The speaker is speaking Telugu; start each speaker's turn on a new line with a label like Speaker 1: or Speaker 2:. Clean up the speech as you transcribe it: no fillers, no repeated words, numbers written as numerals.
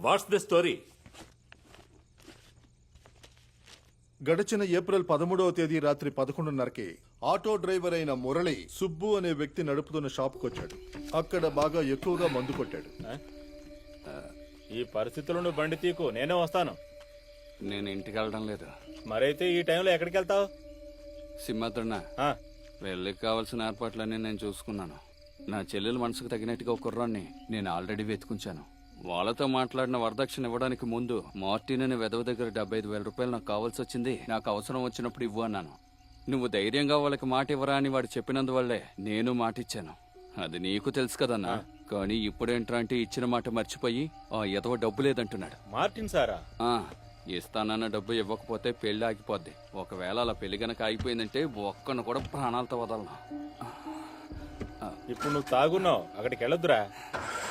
Speaker 1: Watts the story?
Speaker 2: గడిచిన ఏప్రిల్ 13వ తేదీ రాత్రి 11:30కి ఆటో డ్రైవర్ అయిన మురళి సుబ్బు అనే వ్యక్తి నడుపుతున్న షాప్కి వచ్చాడు. అక్కడ బాగా ఎక్కువగా మందు కొట్టాడు.
Speaker 3: ఈ పరిస్థితుల్లో నువ్వు బండి తీకు, నేనే వస్తాను.
Speaker 4: నేను ఇంటికి వెళ్ళడం లేదు.
Speaker 3: మరైతే ఈ టైంలో ఎక్కడికి వెళ్తావు?
Speaker 4: సింహాద్రన్న, పెళ్ళికి కావాల్సిన ఏర్పాట్లన్నీ నేను చూసుకున్నాను. నా చెల్లెల మనసుకు తగినట్టుగా ఒక కుర్రాన్ని నేను ఆల్రెడీ వెతుకుంచాను. వాళ్ళతో మాట్లాడిన వరదక్షిణ ఇవ్వడానికి ముందు మార్టిన్ అనే వెధవ దగ్గర 75,000 రూపాయలు నాకు కావాల్సి వచ్చింది. నాకు అవసరం వచ్చినప్పుడు ఇవ్వు అన్నాను. నువ్వు ధైర్యంగా వాళ్ళకి మాట ఇవ్వరా అని వాడు చెప్పినందువల్లే నేను మాట ఇచ్చాను. అది నీకు తెలుసు కదన్నా. కానీ ఇప్పుడేంట్రా అంటే ఇచ్చిన మాట మర్చిపోయి ఆ ఎదవ డబ్బు లేదంటున్నాడు.
Speaker 3: మార్టిన్ సారా?
Speaker 4: ఇస్తానన్న డబ్బు ఇవ్వకపోతే పెళ్లి ఆగిపోద్ది. ఒకవేళ అలా పెళ్లి గనక ఆగిపోయిందంటే ఒక్కను కూడా ప్రాణాలతో వదలను.
Speaker 3: ఇప్పుడు నువ్వు తాగున్నావు, అక్కడికి వెళ్ళొద్దురా.